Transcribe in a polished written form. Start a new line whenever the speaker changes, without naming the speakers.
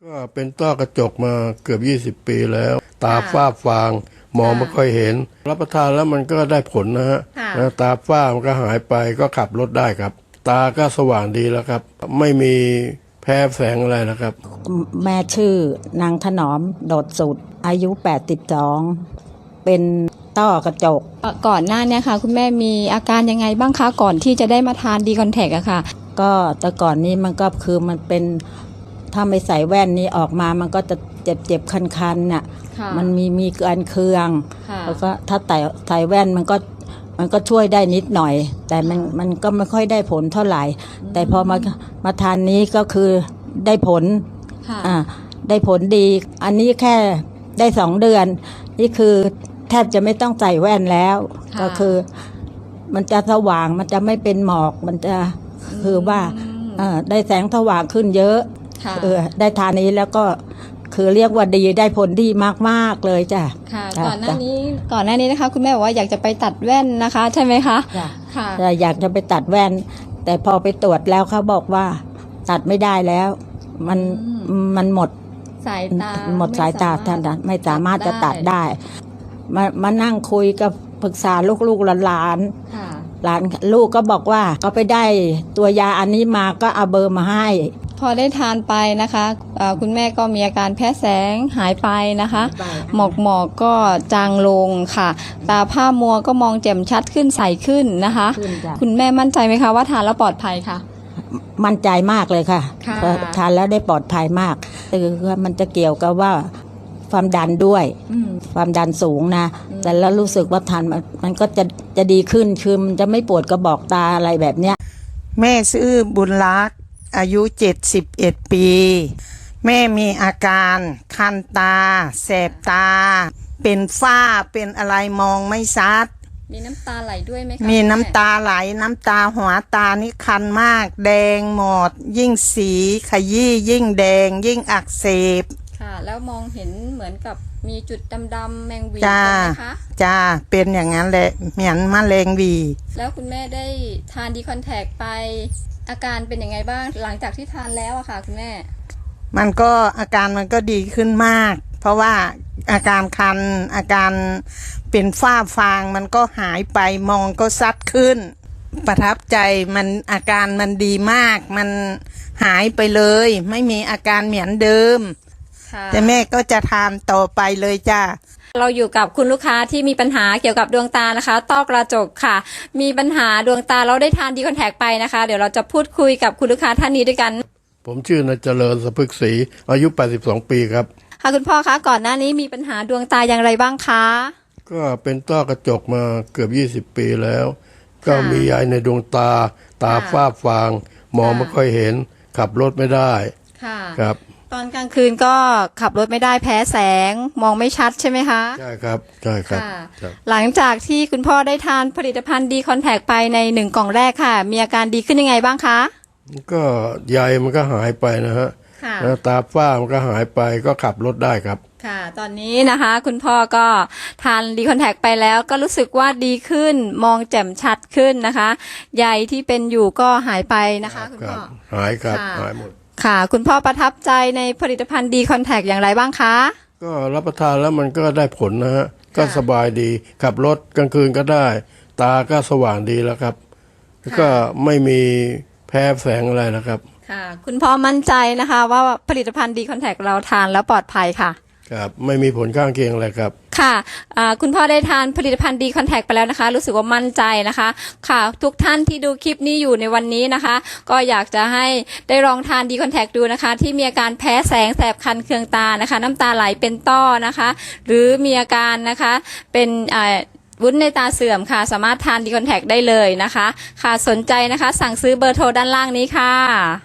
ก็เป็นต้อกระจกมาเกือบ20 ปีแล้วตาฝ้าฟางมองไม่ค่อยเห็นรับประทานแล้วมันก็ได้ผลนะฮะตาฝ้ามันก็หายไปก็ขับรถได้ครับตาก็สว่างดีแล้วครับไม่มีแพ้แสงอะไรนะครับ
แม่ชื่อนางถนอมโดดสุดอายุ82เป็นต้อกระจก
ก่อนหน้านี้ค่ะคุณแม่มีอาการยังไงบ้างคะก่อนที่จะได้มาทานดีคอนแทคอะค่ะ
ก็แต่ก่อนนี้มันก็คือมันเป็นถ้าไม่ใส่แว่นนี้ออกมามันก็จะเจ็บคันๆน่ะมันมีการเคืองแล้วก็ถ้าใส่แว่นมันก็ช่วยได้นิดหน่อยแต่มันก็ไม่ค่อยได้ผลเท่าไหร่แต่พอมาทานนี้ก็คือได้ผลได้ผลดีอันนี้แค่ได้2 เดือนนี่คือแทบจะไม่ต้องใส่แว่นแล้วก็คือมันจะสว่างมันจะไม่เป็นหมอกมันจะคือว่าได้แสงสว่างขึ้นเยอะได้ทานนี้แล้วก็คือเรียกว่าดีได้ผลดีมากๆเลยจ้ะ
ก่อนหน้านี้นะคะคุณแม่บอกว่าอยากจะไปตัดแว่นนะคะใช่ไหมคะ
ค่ะอยากจะไปตัดแว่นแต่พอไปตรวจแล้วเขาบอกว่าตัดไม่ได้แล้วมันหมด
สายตา
ท่านไม่สามารถจะตัดได้มานั่งคุยกับปรึกษาลูกหลานลูกก็บอกว่าก็ไปได้ตัวยาอันนี้มาก็เอาเบอร์มาให้
พอได้ทานไปนะคะคุณแม่ก็มีอาการแพ้แสงหายไปนะคะหมอกก็จางลงค่ะตาผ้ามัวก็มองแจ่มชัดขึ้นใสขึ้นนะคะคุณแม่มั่นใจไหมคะว่าทานแล้วปลอดภัยค่ะ
มั่นใจมากเลยค่ะทานแล้วได้ปลอดภัยมากคือมันจะเกี่ยวกับว่าความดันด้วยความดันสูงนะแต่แล้วรู้สึกว่าทานมันก็จะดีขึ้นคือมันจะไม่ปวดกระบอกตาอะไรแบบเนี้ย
แม่ชื่อบุญรักษ์อายุ71 ปีแม่มีอาการคันตาแสบตาเป็นฝ้าเป็นอะไรมองไม่ชัด
มีน้ำตาไหลด้วยไหมคะ
มีน้ำตาไหลน้ำตาหัวตานี่คันมากแดงหมดยิ่งสีขยี้ยิ่งแดงยิ่งอักเสบ
ค่ะแล้วมองเห็นเหมือนกับมีจุดดำๆแมงวีใช่ไหมคะ
จ้าเป็นอย่างนั้นแหละเหมือนมะเร็งวี
แล้วคุณแม่ได้ทานดีคอนแทคไปอาการเป็นยังไงบ้างหลังจากที่ทานแล้วอะค่ะคุณแม่
มันก็อาการมันก็ดีขึ้นมากเพราะว่าอาการคันอาการเป็นฝ้าฟางมันก็หายไปมองก็ซัดขึ้นประทับใจมันอาการมันดีมากมันหายไปเลยไม่มีอาการเหมือนเดิมแต่แม่ก็จะทานต่อไปเลยจ้า
เราอยู่กับคุณลูกค้าที่มีปัญหาเกี่ยวกับดวงตานะคะต้อกระจกค่ะมีปัญหาดวงตาเราได้ทานดีคอนแทคไปนะคะเดี๋ยวเราจะพูดคุยกับคุณลูกค้าท่านนี้ด้วยกัน
ผมชื่อนายเจริญสะพึกศรีอายุ82 ปีครับ
ค่ะคุณพ่อคะก่อนหน้านี้มีปัญหาดวงตาอย่างไรบ้างคะ
ก็เป็นต้อกระจกมาเกือบ20 ปีแล้วก็มีใยในดวงตาฝ้าฟางมองไม่ค่อยเห็นขับรถไม่ได้ครับ
ตอนกลางคืนก็ขับรถไม่ได้แพ้แสงมองไม่ชัดใช่ไหมคะ
ใช่ครับใช่ครับ
หลังจากที่คุณพ่อได้ทานผลิตภัณฑ์ดีคอนแทคไปใน1 กล่องแรกค่ะมีอาการดีขึ้นยังไงบ้างคะ
ก็ใยมันก็หายไปนะฮะแล้วตาฝ้ามันก็หายไปก็ขับรถได้ครับ
ค่ะตอนนี้นะคะคุณพ่อก็ทานดีคอนแทคไปแล้วก็รู้สึกว่าดีขึ้นมองแจ่มชัดขึ้นนะคะใยที่เป็นอยู่ก็หายไปนะคะคุณพ่อ
หายครับหายหมด
ค่ะคุณพ่อประทับใจในผลิตภัณฑ์ดีคอนแทคอย่างไรบ้างคะ
ก็รับประทานแล้วมันก็ได้ผลนะฮะก็สบายดีขับรถกลางคืนก็ได้ตาก็สว่างดีแล้วครับก็ไม่มีแพ้แสงอะไรนะครับ
ค่ะคุณพ่อมั่นใจนะคะว่าผลิตภัณฑ์ดีคอนแทคเราทานแล้วปลอดภัยค่ะ
ครับไม่มีผลข้างเคียงอะไรครับ
ค่ะคุณพ่อได้ทานผลิตภัณฑ์ดีคอนแทคไปแล้วนะคะรู้สึกว่ามั่นใจนะคะค่ะทุกท่านที่ดูคลิปนี้อยู่ในวันนี้นะคะก็อยากจะให้ได้ลองทานดีคอนแทคดูนะคะที่มีอาการแพ้แสงแสบคันเคืองตานะคะน้ำตาไหลเป็นต้อนะคะหรือมีอาการนะคะเป็นวุ้นในตาเสื่อมค่ะสามารถทานดีคอนแทคได้เลยนะคะค่ะสนใจนะคะสั่งซื้อเบอร์โทรด้านล่างนี้ค่ะ